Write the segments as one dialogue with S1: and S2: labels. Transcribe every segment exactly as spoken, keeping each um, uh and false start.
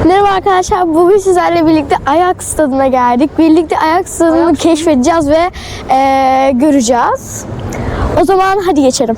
S1: Merhaba arkadaşlar, bugün sizlerle birlikte Ajax stadına geldik. Birlikte Ajax stadını Ajax keşfedeceğiz ve e, göreceğiz. O zaman hadi geçelim.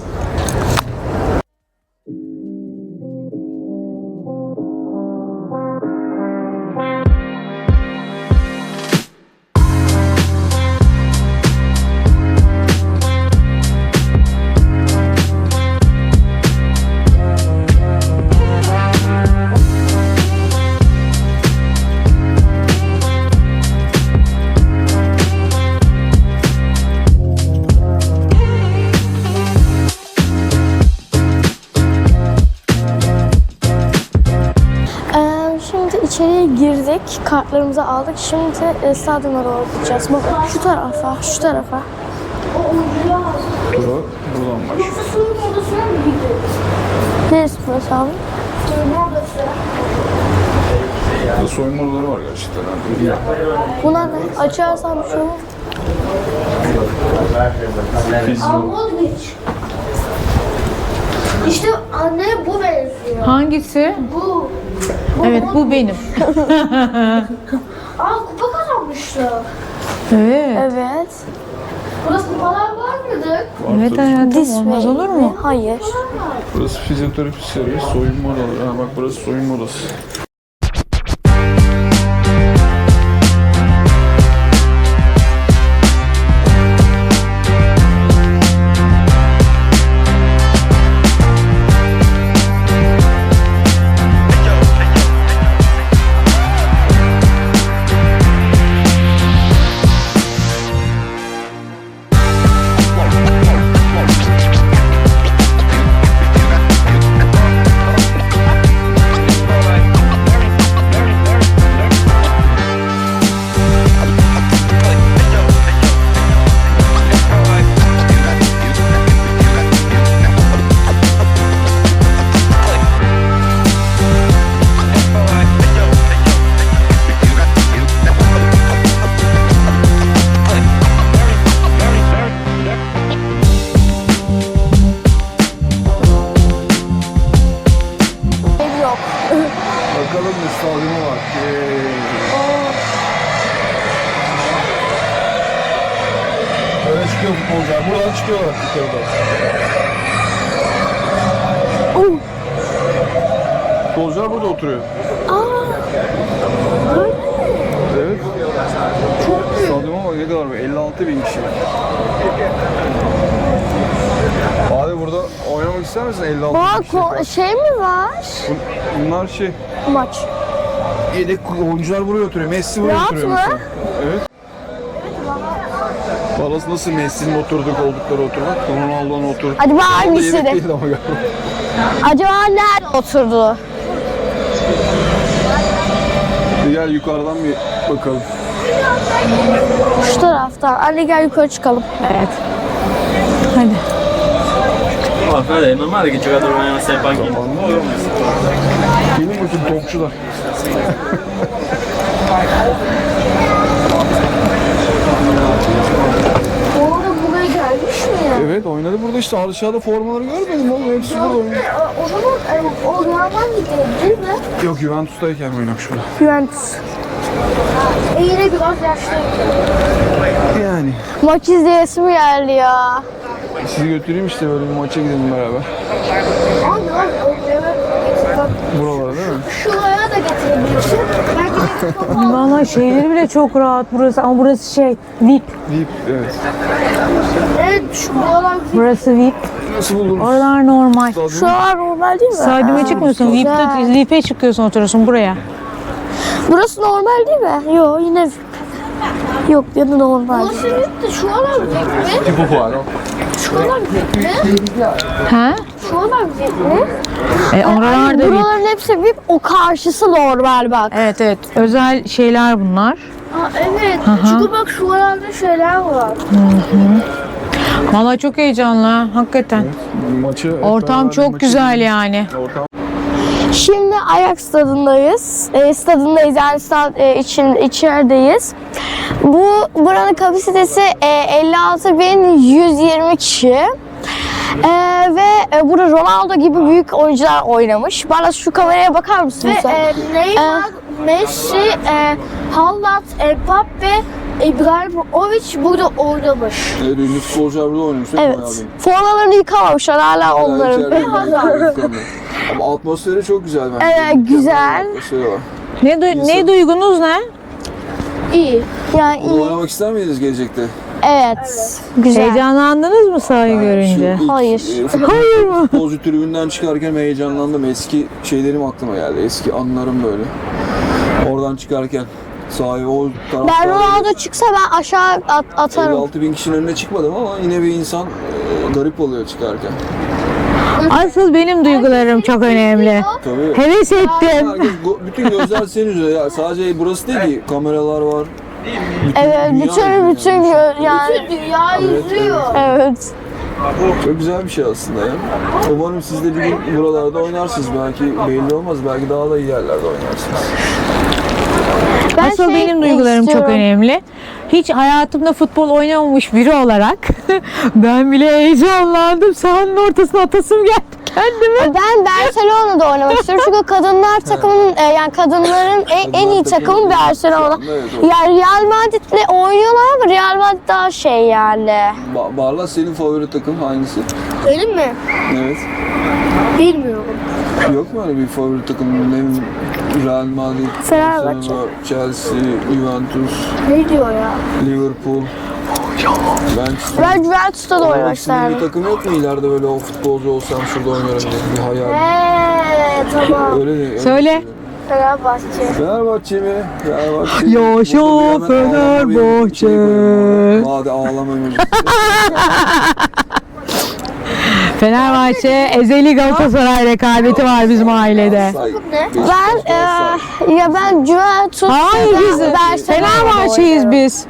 S1: İçeriye girdik, kartlarımızı aldık. Şimdi e, stadyuma doğru gideceğiz. Bak şu tarafa, şu tarafa.
S2: Bura, buradan başlıyor.
S1: Soyunma odasına mı gidiyoruz? Neresi burası abi? Soyunma odası.
S2: Burada soyunma odaları var gerçekten.
S1: Bunlar ne? Açarsam bir şey olur. İşte anne bu benziyor.
S3: Hangisi?
S1: Bu. bu
S3: Evet, bu benim.
S1: Aa, kupa kazanmışlar.
S3: Evet.
S1: Evet. Burası kupalar var mıydı?
S3: Evet hayatım, olmaz olur mu?
S1: Hayır.
S2: Burası fizyoterapi servis, soyunma odaları. Ha bak burası soyunma odası. Bakalım ne stadyumu var. Böyle çıkıyor futbolcular. Buradan çıkıyorlar yukarıda.
S1: Oh.
S2: Futbolcular burada oturuyor.
S1: Aa.
S2: Evet. Çok büyük. Stadyuma bak ne kadar var? elli altı bin kişi. Abi burada oynamak ister misin? elli altı bin kişi.
S1: Aa, şey mi var?
S2: Bunlar şey.
S1: Maç.
S2: Yedek oyuncular buraya oturuyor. Messi buraya
S1: Rahat
S2: oturuyor
S1: mı?
S2: mesela. Evet. Balası nasıl Messi'nin oturduk oldukları oturmak? Ronaldo'nun oturduk.
S1: Hadi bak
S2: Ronaldo
S1: hangisi
S2: yedek
S1: de.
S2: değildi ama galiba.
S1: Acaba nerede oturdu?
S2: Bir gel yukarıdan bir bakalım.
S1: Şu taraftan. Anne gel yukarı çıkalım.
S3: Evet. Hadi.
S4: Guarda, è normale che i giocatori vanno a stare in panchina.
S2: Gelin bakayım topçular.
S1: Orada buraya gelmiş mi ya?
S2: Evet oynadı burada işte aşağıda formaları görmedim oğlum hepsi burada oynuyor.
S1: O zaman e, o Real'dan gidiyor değil mi?
S2: Yok Juventus'tayken oynamış burada.
S1: Juventus. E yine biraz yaşlıydı.
S2: Yani.
S1: Maç izleyesim geldi ya.
S2: Sizi götüreyim işte böyle bir maça gidelim beraber.
S1: Abi bak o
S2: Buralara değil mi?
S1: şuraya da getirebilirsin. Belki de
S3: Valla şeyleri bile çok rahat burası ama burası şey V I P.
S2: Deyip evet.
S1: evet şu buralar
S3: Burası V I P.
S2: Nasıl buldunuz?
S3: Oralar normal.
S1: şuralar normal değil mi?
S3: Stadyuma çıkmıyorsun. V I P'de
S1: güzel.
S3: V I P'ye çıkıyorsun, oturuyorsun buraya.
S1: Burası normal değil mi? Yok yine yok ya da normal. Burası bitti. Şuralar bitti.
S2: Tipo fuaro.
S1: Şuralar bitti.
S3: He?
S1: Şuralar bitti.
S3: E, oralar da V I P.
S1: Buraların hepsi V I P. O karşısı normal bak.
S3: Evet evet. Özel şeyler bunlar.
S1: Aa, evet. Çünkü bak şuralarda şeyler var.
S3: Valla çok heyecanlı ha, hakikaten.
S2: Maçı
S3: Ortam çok güzel yani.
S2: Ortam
S1: Şimdi Ajax stadındayız. E, stadındayız yani stad e, için içerideyiz. Bu buranın kapasitesi e, elli altı bin yüz yirmi kişi. Ee, ve e, burada Ronaldo gibi büyük oyuncular oynamış. Bana şu kameraya bakar mısın?
S5: Ve
S1: sen?
S5: e, Neymar, Messi, e, Haaland, Mbappe, İbrahimovic burada oynamış.
S2: Evet, ünlü futbolcular burada oynamış. değil mi
S1: Evet.
S2: Bayağı bir?
S1: Formalarını yıkamamışlar hala
S2: Bayağı
S1: onların.
S2: içeride yıkanıyor. Ama atmosferi çok güzel bence.
S1: Evet,
S2: Mükemmel
S1: güzel.
S2: bir atmosferi var.
S3: Ne, du- ne duygunuz ne?
S5: İyi.
S1: Yani
S2: Burada
S1: iyi.
S2: oynamak ister miydiniz gelecekte?
S1: Evet. Güzel.
S3: Heyecanlandınız mı sahayı görünce?
S2: Şu ilk,
S1: Hayır.
S2: e, futbol-
S3: Hayır mı?
S2: Futbolcu tribünden çıkarken heyecanlandım. Eski şeylerim aklıma geldi. Eski anılarım böyle. Oradan çıkarken sahaya o
S1: Ben
S2: taraftarı
S1: Ronaldo çıksa ben aşağı at- atarım.
S2: elli altı bin kişinin önüne çıkmadım ama yine bir insan e, garip oluyor çıkarken.
S3: Asıl benim duygularım çok önemli.
S2: Tabii.
S3: Heves ettim.
S2: Herkes, go- bütün gözler senin üzerine. Ya sadece burası değil ki. Kameralar var. Bütün
S1: Evet,
S2: dünya
S1: bütün
S2: izliyor
S1: bütün
S2: yani.
S1: gö- yani
S5: Bütün dünya
S2: Evet,
S5: izliyor.
S1: evet.
S2: Çok güzel bir şey aslında ya. Umarım siz de bir gün buralarda oynarsınız. Belki belli olmaz. Belki daha da iyi yerlerde oynarsınız.
S1: Ben
S3: Asıl
S1: şey
S3: benim duygularım çok
S1: istiyorum.
S3: önemli. Hiç hayatımda futbol oynamamış biri olarak ben bile heyecanlandım. Sahanın ortasına atasım geldi kendime.
S1: Ben Barcelona'da oynamak istiyorum çünkü kadınlar takımının e, yani kadınların en, en iyi
S2: Kadınlar
S1: takımı
S2: takımı-
S1: Barcelona.
S2: Evet, evet.
S1: Yani Real Madrid'le oynuyorlar ama Real Madrid daha şey yani.
S2: Ba- Barla senin favori takım hangisi?
S5: Benim mi?
S2: Evet.
S5: Bilmiyorum.
S2: Yok mu öyle bir favori takım? Ne Real Madrid,
S1: Fenerbahçe.
S2: Barcelona, Chelsea, Juventus,
S5: Ne diyor ya?
S2: Liverpool. Manchester.
S1: Ben Juventus'ta da oynamak
S2: İkisinin bir
S1: isterdim.
S2: takım yok mu ileride böyle o futbolcu olsam şurada oynarım diye bir hayal.
S5: Eee tamam.
S2: Öyle değil. öyle
S3: Söyle.
S2: değil.
S5: Fenerbahçe.
S2: Fenerbahçe mi? Fenerbahçe.
S3: Yaşa
S2: Burada bir hemen ağlama bir
S3: Fenerbahçe.
S2: şey koyalım. Hadi ağlama müziği.
S3: Fenerbahçe ezeli Galatasaray rekabeti var bizim ailede.
S2: Say.
S5: Ne?
S1: Ben e, ya ben Juventus
S3: Hayır
S1: ve
S3: biz
S1: Barcelona'da
S3: Fenerbahçe'yiz
S1: oynarım.
S3: biz.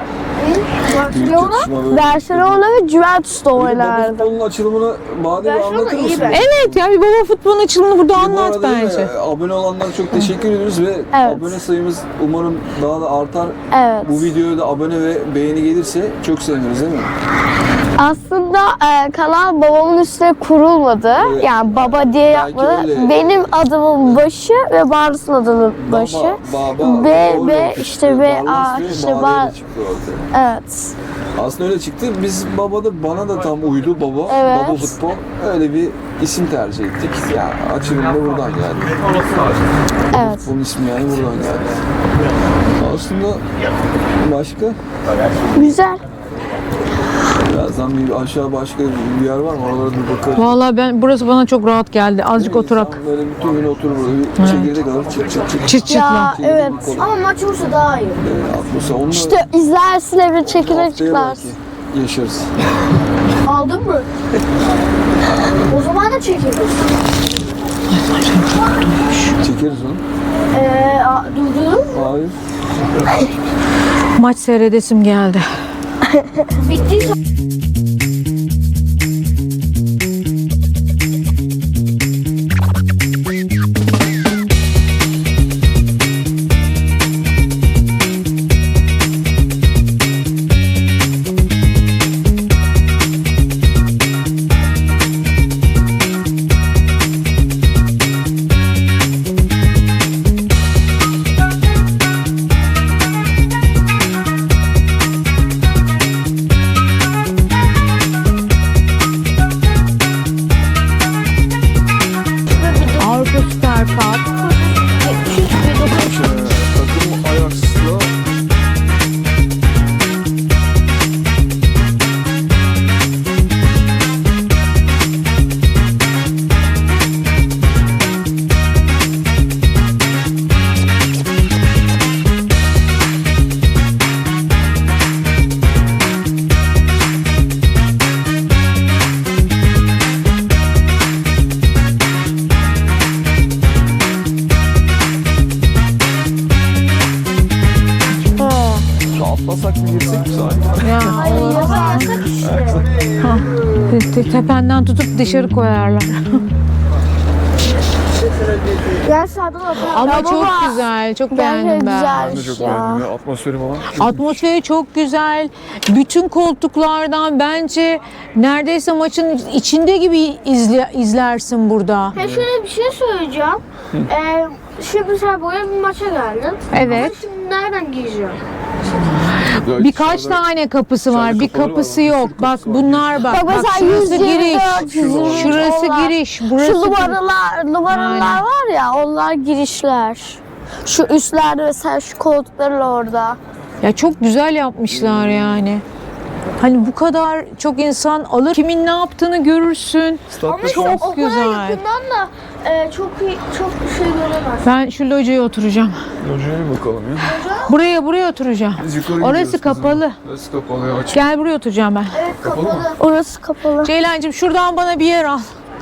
S1: Barcelona ve Juventus'ta
S2: Baba
S1: oynardım.
S2: futbolun açılımını bana bir
S5: Barcelona
S2: anlatır
S5: iyi
S2: mısın?
S5: bence.
S3: Evet ya bir baba futbolun açılımını burada
S2: Bu
S3: anlat
S2: arada değil mi,
S3: bence.
S2: abone olanlara çok teşekkür ediyoruz ve
S1: Evet.
S2: abone sayımız umarım daha da artar.
S1: Evet.
S2: Bu videoya da abone ve beğeni gelirse çok seviniriz değil mi?
S1: Aslında e, kanal babamın üstüne kurulmadı.
S2: Evet.
S1: Yani baba diye yapmadı.
S2: öyle.
S1: Benim adımın başı ve Barlas'ın adının başı.
S2: Baba, baba,
S1: B,
S2: doğru
S1: B,
S2: yapmıştı.
S1: işte B,
S2: Barlas
S1: A,
S2: ve
S1: işte
S2: Bade
S1: Bar-
S2: ile çıktı ortaya.
S1: Evet.
S2: Aslında öyle çıktı. Biz baba da bana da tam uydu baba.
S1: Evet.
S2: Baba futbol. Öyle bir isim tercih ettik. Ya açılım da buradan geldi.
S1: Evet.
S2: Bunun ismi yani buradan geldi. Aslında başka
S1: Güzel.
S2: birazdan bir aşağı başka bir yer var mı? Oralara bir bakarız.
S3: Vallahi ben burası bana çok rahat geldi. Azıcık oturak.
S2: İnsan böyle bütün gün oturur burada. Bir çekirdek alır çıt çıt çıt.
S3: Çıt çıt
S1: Ya
S3: lan.
S2: Çekirdek
S1: evet.
S2: bir kola.
S5: Ama maç olursa daha iyi.
S2: Ee, atmosfer. Onunla
S1: İşte izlersin evde çekirdek
S2: haftaya
S1: çıklarsın.
S2: belki yaşarız.
S5: Aldın mı? O zaman da çekeriz.
S2: Çekeriz onu.
S5: Eee a- durdurdun mu?
S2: Hayır.
S3: Maç seyredesim geldi.
S5: Bittiyse
S3: Avrupa Süper Cup.
S2: Takım Ajax'la atlasak mı girsek mi sahaya?
S3: Ya Allah. Ha, te- te- tependen tutup dışarı koyarlar.
S5: Gel sağdan atalım.
S3: Ama
S1: Ya
S3: çok
S1: baba,
S3: güzel. Çok
S1: Gerçekten
S3: beğendim ben.
S2: Ben de
S1: güzelmiş
S2: çok
S1: ya.
S2: beğendim ya. Atmosferi falan.
S3: Atmosferi çok güzel. Bütün koltuklardan bence neredeyse maçın içinde gibi izle, izlersin burada.
S5: Ya şöyle bir şey söyleyeceğim. Ee, şimdi mesela buraya bir maça geldin.
S3: Evet.
S5: Ama şimdi nereden gireceğim?
S2: Güzel.
S3: Birkaç
S2: Dışarıda-
S3: tane kapısı var.
S2: dışarıda
S3: Bir
S2: kapıları var,
S3: kapısı
S2: bir sürü
S3: yok. Bak
S2: kapısı var.
S3: bunlar bak.
S1: Bak
S3: Bak
S1: mesela
S3: şurası
S1: yüz yirmi
S3: giriş.
S1: dört, yüz yirmi üç
S3: Şurası
S1: onlar.
S3: giriş. Burası
S1: Şu numaralar, numaralar
S3: Aynen.
S1: var ya, onlar girişler. Şu üstlerde mesela şu koltuklarla orada.
S3: Ya çok güzel yapmışlar yani. Hani bu kadar çok insan alır. Kimin ne yaptığını görürsün.
S2: Statta
S3: Çok
S2: şu an-
S5: O kadar
S3: güzel.
S5: yakından da e, çok iyi, çok bir şey göremez.
S3: Ben şu locaya oturacağım.
S2: Hocaya bir bakalım ya.
S3: Buraya buraya oturacağım.
S2: Biz yukarı
S3: Orası
S2: gidiyoruz kızım.
S3: kapalı.
S2: Orası kapalı ya. Açık.
S3: Gel buraya oturacağım ben.
S5: Evet
S2: Kapalı
S5: kapalı.
S2: mı?
S1: Orası kapalı.
S3: Ceylancığım şuradan bana bir yer al.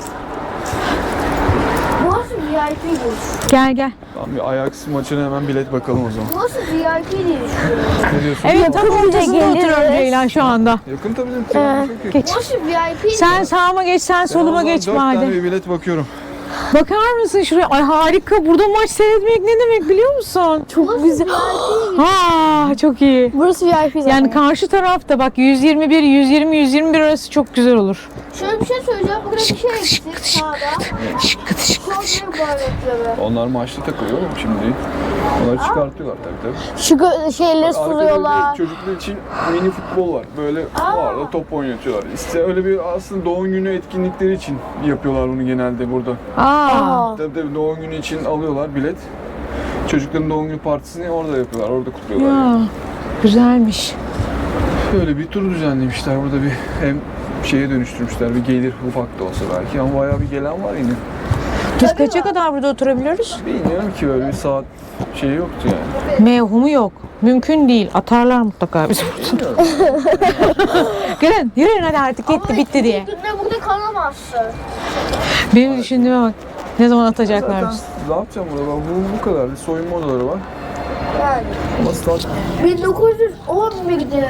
S5: Burası V I P değil.
S3: Gel gel.
S2: Tamam bir Ajax maçına hemen bilet bakalım o zaman.
S5: Burası V I P değil.
S2: Ne diyorsun?
S3: Evet tam ortasında
S1: geliriz.
S3: oturuyorum Ceylan şu anda.
S2: Yakın tabii canım. Tribün çok yakın.
S3: Geç.
S5: Burası V I P değil.
S3: Sen sağıma geç, sen
S2: Ben o
S3: soluma
S2: zaman
S3: geç
S2: dört tane
S3: madem.
S2: bir bilet bakıyorum.
S3: Bakar mısın şuraya? Ay harika. Burada maç seyretmek ne demek biliyor musun?
S1: Çok güzel.
S3: Ha çok iyi.
S1: Burası V I P zaten.
S3: Yani karşı tarafta bak yüz yirmi bir, yüz yirmi, yüz yirmi bir arası çok güzel olur.
S5: Şöyle bir şey söyleyeceğim. Burada bir şey eksik sağda.
S3: Şıkkıt şıkkıt.
S5: Çok büyük bayrakları.
S2: Onlar maçta takılıyor oğlum şimdi. Onları çıkartıyorlar tabii tabii.
S1: Şu gö- şeyleri
S2: Arkada
S1: suluyorlar.
S2: bir çocuklar için mini futbol var. Böyle var da top oynatıyorlar. İşte öyle bir aslında doğum günü etkinlikleri için yapıyorlar bunu genelde burada.
S3: Aa.
S1: Aa.
S2: Tabii tabii doğum günü için alıyorlar bilet. Çocukların doğum günü partisini orada yapıyorlar, orada kutluyorlar.
S3: Ya,
S2: Yani.
S3: güzelmiş.
S2: Böyle bir tur düzenlemişler. Burada bir hem şeye dönüştürmüşler, bir gelir ufak da olsa belki ama bayağı bir gelen var yine.
S3: Biz kaça kadar burada oturabiliyoruz?
S2: Bilmiyorum ki böyle bir saat şeyi yoktu yani.
S3: Mevhumu yok. Mümkün değil. Atarlar mutlaka bizi buradan. Gelin yürüyün hadi artık gitti bitti diye.
S5: Günde burada kalamazsın.
S3: Benim düşündüğüme bak. Ne zaman atacaklar
S2: Zaten
S3: bizi?
S2: ne yapacağım burada? Bak, Bu, bu kadar. Bir soyunma odaları var.
S5: Yani.
S2: Ama stat
S5: bin dokuz yüz on birde.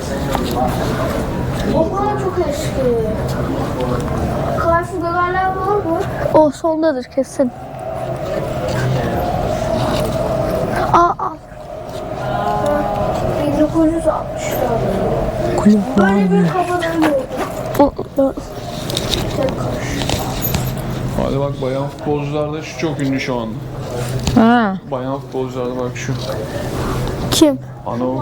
S5: O kadar çok eski. Karşı dönerler var mı?
S1: O sondadır kesin. Aa, aa.
S5: bin dokuz yüz altmışlarda.
S3: Kulüp var
S5: Böyle
S3: mı?
S5: bir kafadan gördüm.
S2: Hadi bak bayan futbolcularda şu çok ünlü şu anda.
S3: Ha.
S2: Bayan futbolcularda bak şu.
S1: Kim?
S2: Ano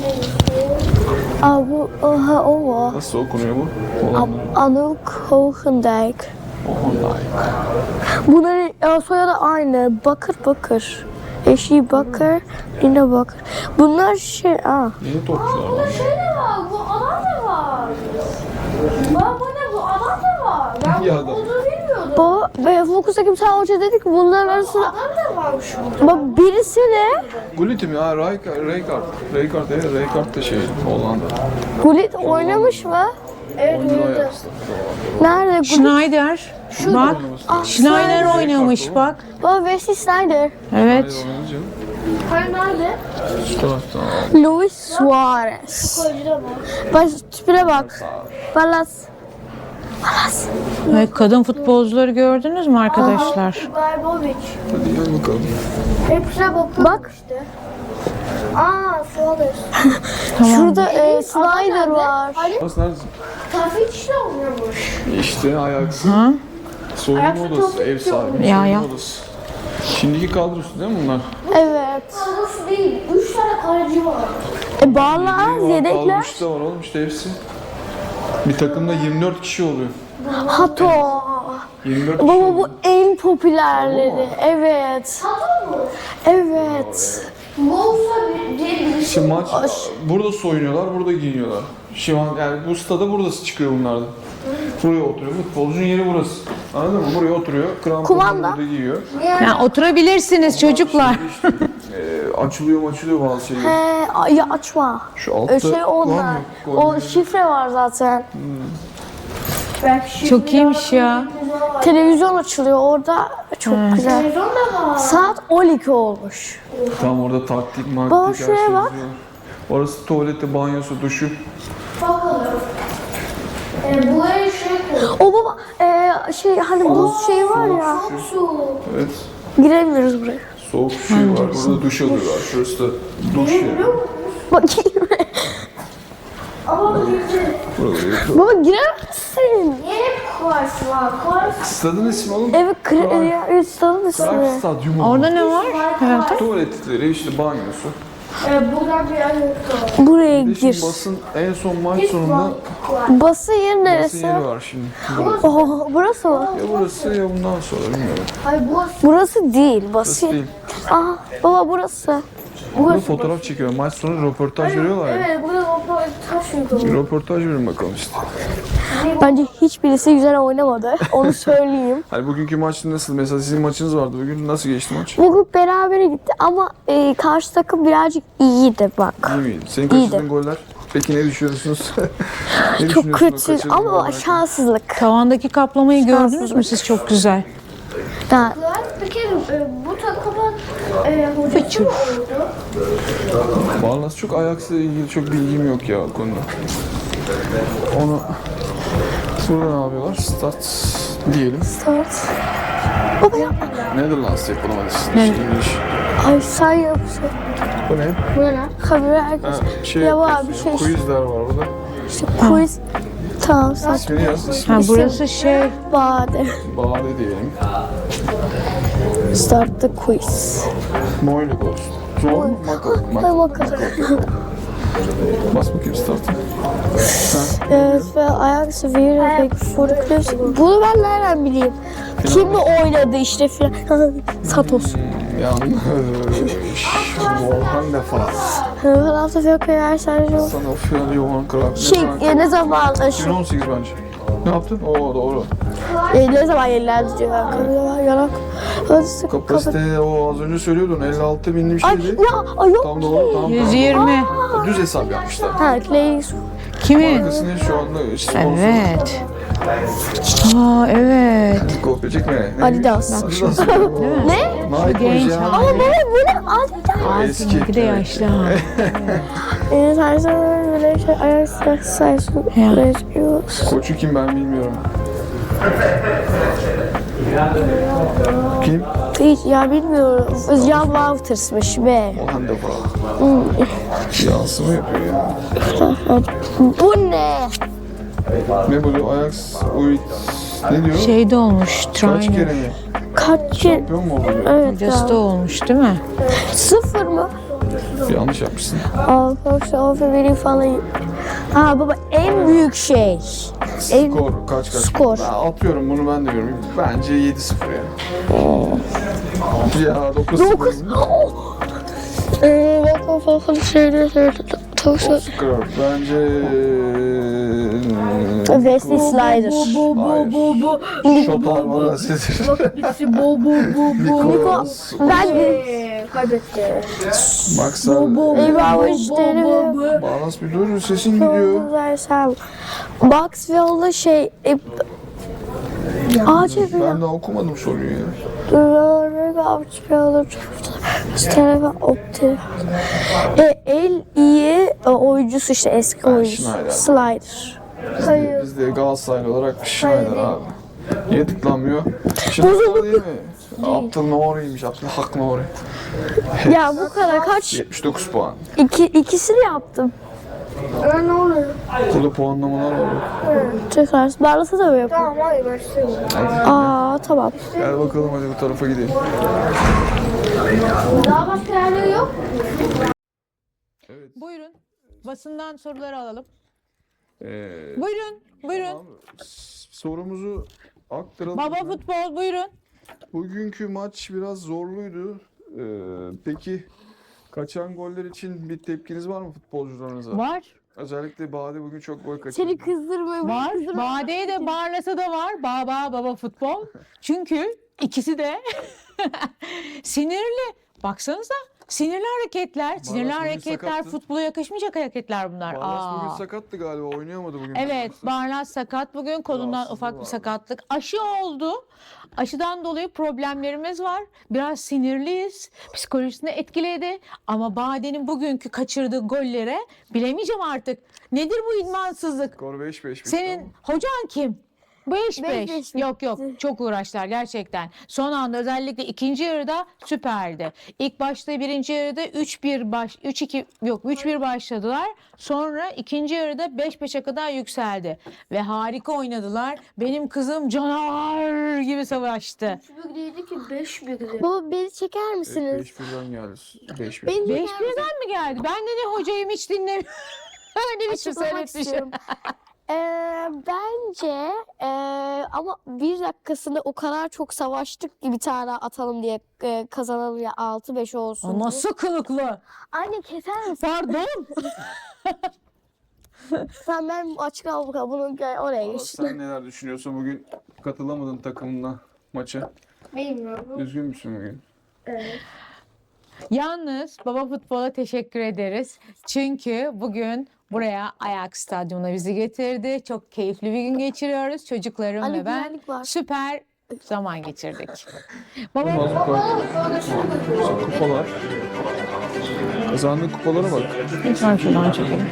S1: Aa, bu, oha, o mu?
S2: nasıl okunuyor bu? Hollanda.
S1: Anouk Hogendijk.
S2: Hollanda.
S1: Bunların e, soyadı aynı. Bakır Bakır. Eşi Bakır, Lina Bakır. Bunlar şey, aa.
S2: Yeni topçular var.
S5: Şey de var, bu adam da var. Bak bu ne, bu adam da var. Ben
S2: Ya
S5: bu
S2: adam.
S5: olduğunu bilmiyordum.
S1: Baba, ve Fokus'taki bir tane hoca dedi ki bunların arasında
S5: Adam da varmış burada.
S1: bak birisi ne?
S2: Gullit mi? Ha, Rijkaard. Rijkaard. Rijkaard, evet. Rijkaard da şey, Hollanda.
S1: Gullit oynamış mı?
S5: Evet,
S2: Oyuncu
S5: oynadı.
S2: Ajax'ta.
S1: Nerede Gullit?
S3: Schneider. Bak. Schneider
S2: Rijkaard
S3: oynamış
S2: o.
S3: bak.
S1: Baba Wesley Sneijder.
S3: Evet.
S2: Oynadı canım.
S5: Hayır, nerede?
S2: Şu taraftan.
S1: Luis Suarez.
S5: Koyucuda mı?
S1: Bak tipine bak. Balas.
S3: Evet, kadın futbolcuları gördünüz mü arkadaşlar?
S5: Barbovic.
S2: Hadi gel bakalım.
S5: Hepsine bakıyorum
S1: Bak.
S5: işte. Aa, Suarez.
S1: Şurada e, Snyder var.
S2: Burası neredesin?
S5: Trafik işte oluyormuş.
S2: İşte Ajax.
S3: Ha?
S2: Soyunma
S5: Ayakta
S2: odası,
S5: top
S2: ev sahibi.
S3: Ya,
S2: soyunma
S3: ya.
S2: odası. Şimdiki kadrosu değil mi bunlar?
S1: Evet.
S5: Nasıl değil? Üç tane kaleci var.
S1: E bağlar, yedekler.
S2: Kadrosu da var oğlum işte hepsi. Bir takımda yirmi dört kişi oluyor.
S1: Hato.
S2: yirmi dört kişi
S1: Baba
S2: oluyor.
S1: bu en popülerleri. Evet.
S5: Tamam mı?
S1: Evet.
S5: Bolsa diye birisi.
S2: İşte maç burada soyunuyorlar, burada giyiniyorlar. Şu an yani bu stada burası çıkıyor bunlardan. Buraya oturuyor. Futbolcunun yeri burası. Anladın mı? Buraya oturuyor. Kramponu
S1: Kumanda.
S2: burada giyiyor.
S3: Ya oturabilirsiniz çocuklar.
S2: Ee, açılıyor açılıyor bazı şeyler.
S1: He, ay, ya açma.
S2: Şu altta
S1: Ö, Şey
S2: var
S1: onlar.
S2: mı?
S1: O şifre var zaten.
S5: Belki
S3: Çok iyiymiş ya.
S1: Televizyon açılıyor orada. Çok güzel.
S5: Televizyon da var.
S1: Saat on iki olmuş.
S2: Tam orada taktik,
S1: Baba
S2: maktik her
S1: şuraya
S2: şey
S1: bak.
S2: yazıyor. Orası tuvaleti, banyosu, duşu.
S5: Bakalım. Ee, buraya şey koy.
S1: O baba e, aya şey hani buz şey var ya.
S5: Su.
S2: Evet.
S1: Giremiyoruz buraya.
S2: Soğuk suyu var. Burada duş alıyorlar. Şurası da duş yeri.
S1: Bakayım.
S5: Ama girdi.
S2: Buraları
S1: Baba giremezsin.
S5: Niye hep kuvars var? Kuvars.
S2: Stadın ismi oğlum.
S1: Evet, kre- ya, evet, stadın ismi.
S2: Prag Stadyumu.
S3: Orada ne var?
S5: Var.
S2: Tuvaletleri, işte banyosu.
S5: Ee, buradan bir yer yoktu.
S1: Buraya
S2: Bir de şimdi
S1: gir.
S2: basın en son maç
S5: Hiç
S2: sonunda
S5: var.
S1: Basın yeri
S2: basın
S1: neresi?
S2: yeri var şimdi. Burası.
S1: Oh, burası mı?
S2: Ya burası ya bundan sonra bilmiyorum.
S5: Hayır bu
S1: Burası değil.
S2: Burası
S1: Basın.
S2: değil.
S1: Aa, baba burası.
S2: Burada fotoğraf çekiyor. Maç sonu röportaj veriyorlar ya.
S5: evet burada o taş yoktu.
S2: Bir röportaj verin bakalım işte.
S1: Bence hiçbirisi güzel oynamadı. Onu söyleyeyim.
S2: Hani bugünkü maç nasıl? Mesela sizin maçınız vardı bugün. Nasıl geçti maç?
S1: Bugün berabere gitti ama e, karşı takım birazcık iyiydi bak.
S2: İyi miydi? Senin
S1: İyiydi.
S2: kaçırdığın goller? Peki ne düşünüyorsunuz? ne
S1: Çok
S2: düşünüyorsun o
S1: kötü
S2: kaçırdığın
S1: ama
S2: gollerden?
S1: şanssızlık.
S3: Tavandaki kaplamayı gördünüz mü
S1: Şanssızlık.
S3: siz? Çok güzel.
S1: Ha,
S5: Peki e, bu takımın e, hocası mı oldu?
S2: Vallahi çok Ajax'la ilgili çok bilgim yok ya o konuda. Onu burada ne yapıyorlar? Start diyelim.
S1: start. Baba ya.
S2: Netherlands yapalım hadi.
S3: Ne?
S2: İngiliz.
S1: Ay sen yapsın.
S2: Bu ne?
S1: Bu ne lan? Haberi herkes.
S2: Ha, şey
S1: Ya var
S2: yapıyorsun
S1: bir
S2: ya,
S1: şey.
S2: quizler var burada.
S1: İşte quiz. Tamam sen.
S2: İsmini yaz. ismi
S3: Ha burası şey.
S1: Bade.
S2: Bade diyelim.
S1: Start the quiz.
S2: Moyle olsun. Zor mu? Mako.
S1: Hadi
S2: Mako.
S1: bakalım.
S2: Bas bakayım start'a.
S1: Evet ve ayak seviyeyle pek fırkıyoruz. Bunu ben nereden bileyim? Kimle oynadı işte filan. Satos.
S2: Yanlış. Volkan da falan.
S1: Ben hafta fiyakaya her sadece
S2: Sana Fiyan Johan Krab.
S1: şey e, ne zaman e, şu
S2: iki bin on sekiz bence. Ne yaptın? Oo doğru.
S1: e, ne zaman yenilendi diyor. Yanak. Yanak. Hadi sık kapat.
S2: Kapasite o az önce söylüyordun elli altı binli bir
S1: Ay
S2: şeydi.
S1: ya ay yok.
S2: Tam doğru tamam.
S3: yüz yirmi.
S2: tamam. Düz hesap yapmışlar.
S1: Ha Clay.
S3: Kimin?
S2: Arkasını şu anda sponsor.
S3: Evet. Aa evet.
S2: Kopya çekme. Ne?
S1: Adidas.
S2: Adidas.
S1: Ne?
S2: Nike
S3: Genç
S2: ya.
S1: Ama baba bu ne? Adidas.
S2: Eski.
S3: Seninki de yaşlı ha.
S1: Ee, tarzı böyle şey ayak sayısı.
S3: Ya.
S2: Koçu kim ben bilmiyorum. Kim?
S1: Hiç ya bilmiyorum. Özcan Walters'mış be.
S2: Volkan da falan. Yansıma yapıyor ya.
S1: Bu ne?
S2: Ne bu? Ajax Uit. Ne diyor?
S3: Şeyde olmuş.
S2: Kaç
S3: Trainer.
S2: kere mi?
S1: Kaç kere?
S2: Şampiyon mu oldu?
S1: Evet
S3: Hocası da
S1: ya.
S3: olmuş değil mi?
S1: Sıfır mı?
S2: Yanlış yapmışsın.
S1: Arkadaşlar aferin falan. Ha baba en büyük şey. En
S2: Skor kaç kaç?
S1: Skor.
S2: Ben atıyorum bunu ben de görüyorum. Bence yedi sıfır ya. Ya dokuz sıfır.
S1: dokuz. Ee, bak o falan şeyler söyledi. Tavşan.
S2: Skor. Bence...
S1: Wesley Slider.
S5: Bu bu bu bu.
S2: Şotar var sizdir.
S5: Birisi bu bu bu bu.
S1: Niko ben
S5: Ee, kaybetti.
S2: Maksal.
S1: Eyvah işte.
S2: Bağlas bir dur sesin gidiyor.
S1: Versem. Maxwell'da şey e, acil bir
S2: Ben daha okumadım soruyu ya.
S1: telefon opti. E, el iyi e, oyuncusu işte eski
S2: Ben
S1: oyuncusu.
S2: Schneider.
S1: Slider.
S2: Biz, biz de Galatasaraylı olarak Schneider abi. Niye tıklanmıyor? Schneider değil mi? Abdül Nuri'ymiş. Abdülhak Nuri.
S1: Ya bu kadar kaç?
S2: yetmiş dokuz puan.
S1: İki, ikisini yaptım.
S5: Ee, ne oluyor?
S2: Burada puanlamalar var.
S1: Tekrar. Barlas'a da mı yapayım?
S5: Tamam hayır başlayalım.
S1: Aa tamam.
S2: Gel bakalım hadi bu tarafa gidelim.
S5: Daha başka yerleri yok.
S2: Evet.
S3: Buyurun. Basından soruları alalım.
S2: Ee,
S3: Buyurun. Buyurun.
S2: tamam. S- Sorumuzu aktaralım.
S3: Baba futbol buyurun.
S2: Bugünkü maç biraz zorluydu. Ee, peki kaçan goller için bir tepkiniz var mı futbolcularınıza?
S3: Var.
S2: Özellikle Bade bugün çok gol kaçırdı.
S1: Seni kızdırmayayım.
S3: Var. Bade'ye de Barlas'a da var. Baba baba futbol. Çünkü ikisi de sinirli. Baksanıza. Sinirli hareketler. Sinirli
S2: bugün
S3: hareketler
S2: sakattı.
S3: futbola yakışmayacak hareketler bunlar.
S2: Barlas bugün
S3: Aa.
S2: sakattı galiba oynayamadı bugün.
S3: Evet, Barlas sakat bugün. Kolundan
S2: Rahatsızlığı
S3: ufak bir
S2: vardı.
S3: sakatlık. Aşı oldu. Aşıdan dolayı problemlerimiz var. Biraz sinirliyiz. Psikolojisini etkiledi. Ama Bade'nin bugünkü kaçırdığı gollere bilemeyeceğim artık. Nedir bu idmansızlık?
S2: Skor beş beş bitti
S3: Senin
S2: ama.
S3: hocan kim? beş
S1: Beş
S3: beş.
S1: beş
S3: Yok yok, çok uğraştılar gerçekten. Son anda özellikle ikinci yarıda süperdi. İlk başta birinci yarıda üç bir baş üç iki yok üç bir başladılar. Sonra ikinci yarıda beş beşe kadar yükseldi ve harika oynadılar. Benim kızım canavar gibi savaştı.
S5: üç bir değildi ki beş birdi.
S1: Baba beni çeker misiniz?
S2: beş birden geldi. beş bir.
S1: Beni
S3: beş
S1: çeker
S3: birden mi geldi? Ben de ne hocayım hiç dinlemiyorum. Öyle bir şey
S1: Açıklamak
S3: seyretmişim.
S1: istiyorum. Ee, bence ee, ama bir dakikasında o kadar çok savaştık ki bir tane atalım diye ee, kazanalım ya altı beş olsun diye.
S3: Nasıl kılıklı?
S1: Anne keser misin?
S3: Pardon.
S1: Sen ben açık al bakalım bunu gel oraya
S2: Valla
S1: geç.
S2: sen neler düşünüyorsun bugün katılamadın takımına maça.
S5: Bilmiyorum.
S2: Üzgün müsün bugün?
S3: Yalnız Baba Futbol'a teşekkür ederiz. Çünkü bugün buraya Ajax Stadyumu'na bizi getirdi. Çok keyifli bir gün geçiriyoruz. Çocuklarım
S1: Anne
S3: ve ben
S1: güvenlik var.
S3: süper zaman geçirdik. Baba
S2: Kupalar. Kazandığın kupalara bak.
S3: lütfen şuradan çekelim.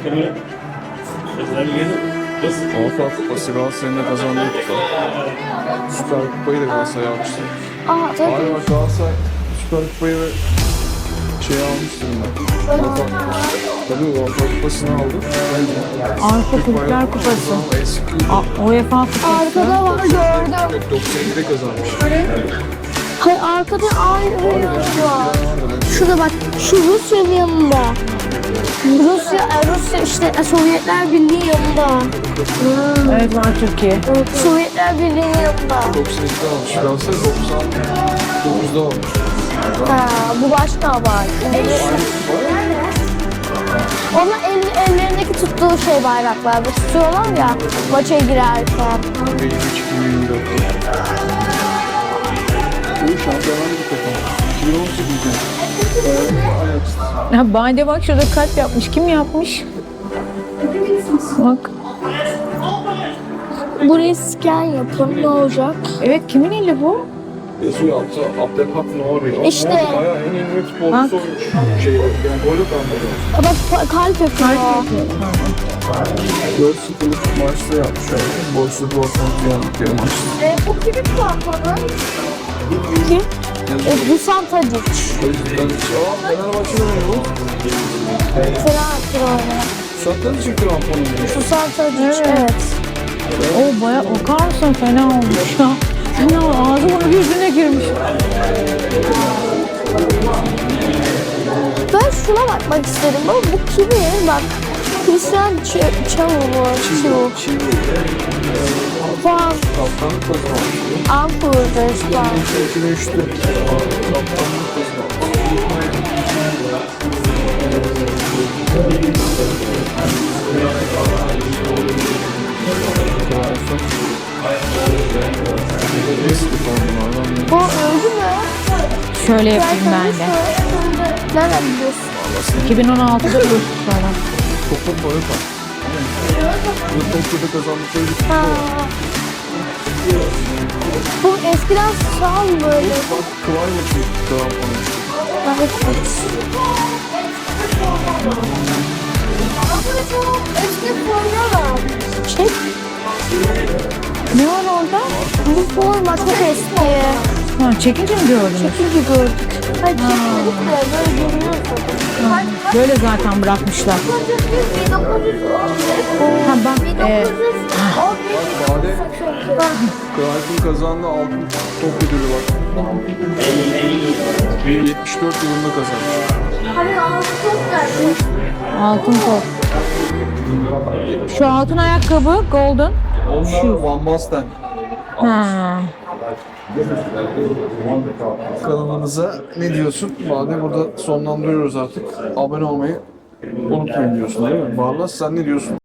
S2: Avrupa Kupası Galatasaray'ın da kazandığı kupa. Süper Kupayı da Galatasaray almıştı.
S1: Aa tabii.
S2: Hayır bak Galatasaray Süper Kupayı ve şey almıştır ben. Avrupa Kupası. Tabii Avrupa Kupası'nı aldı.
S3: Avrupa Kulüpler Kupası.
S2: Eski
S3: A- UEFA Kupası.
S1: Arkada var gördüm.
S2: doksan ikide kazanmış.
S1: Hayır arkada aynı bir yer var. Şurada bak şu Rusya'nın yanında. Rusya, e, Rusya işte e, Sovyetler Birliği yanında.
S3: Evet var Türkiye.
S1: Sovyetler Birliği yanında.
S2: doksan ikide almış. Galatasaray doksan dokuzda almış.
S1: Ha, bu başka var. Onlar el, ellerindeki tuttuğu şey bayraklar. Bu tutuyorlar ya maça girerken.
S2: yirmi üç iki bin yirmi dörtte. Bu şampiyonlar bir takım. iki bin on sekizde. Ajax.
S3: Ha, Bade bak şurada kalp yapmış. Kim yapmış? Bak.
S1: Burayı scan yapın ne olacak?
S3: Evet kimin eli bu?
S2: Esu yaptı. Abdelhak Nuri.
S1: İşte.
S2: Bayağı en iyi futbolcusu olmuş. Şey, yani golü kalmadı.
S1: Bak pa- kalp yapıyor.
S2: dört sıfırlık maçta yapmış. Borussia Dortmund'u yendik bir maçta.
S1: E, bu kimin puanı? Kim? E, Dusan Tadic.
S2: O yüzden aa Fenerbahçe'de oynuyor bu.
S1: Fransız.
S2: Sattan için krampon oynuyor.
S1: Dusan Tadic evet.
S3: O baya bakar mısın fena olmuş ya. Fena ağzı bunu yüzüne girmiş.
S1: Ben şuna bakmak istedim ama bu kimin? Bak Christian Ç- Çavur.
S2: Çivi.
S1: Puan.
S2: Kaptanlık kazanmış.
S1: Ampul'da şu an.
S2: iki bin üçte. Kaptanlık kazanmış. Eski formlardan
S1: Bu öldü mü?
S3: Şöyle yapayım ben de.
S1: Nereden biliyorsun?
S3: iki bin on altıda bu sonra.
S2: Topun boyu var. Bu Tokyo'da kazandıkları bir kupa
S1: Ha.
S2: var.
S1: Bu eskiden sağ mı böyle?
S2: Bak Kıvay maçı krampon işte.
S1: Evet.
S5: Eski forma var.
S1: Çek.
S3: Ne var orada?
S1: Bu forma çok eski.
S3: Ha, çekince mi gördünüz?
S1: Çünkü gördük. Hayır çekmedik de böyle görünüyor zaten.
S3: Böyle zaten bırakmışlar.
S5: bin dokuz yüz
S3: Ha bak e,
S2: Bade Cruyff'ın kazandığı altın top ödülü var. yetmiş dört yılında kazanmış.
S5: Hani altı çok geldi.
S3: altın top. Şu altın ayakkabı golden.
S2: Onlar Van Basten.
S3: Ha.
S2: Kanalımıza ne diyorsun? Bade burada sonlandırıyoruz artık. Abone olmayı unutmayın diyorsun değil mi? Barlas sen ne diyorsun?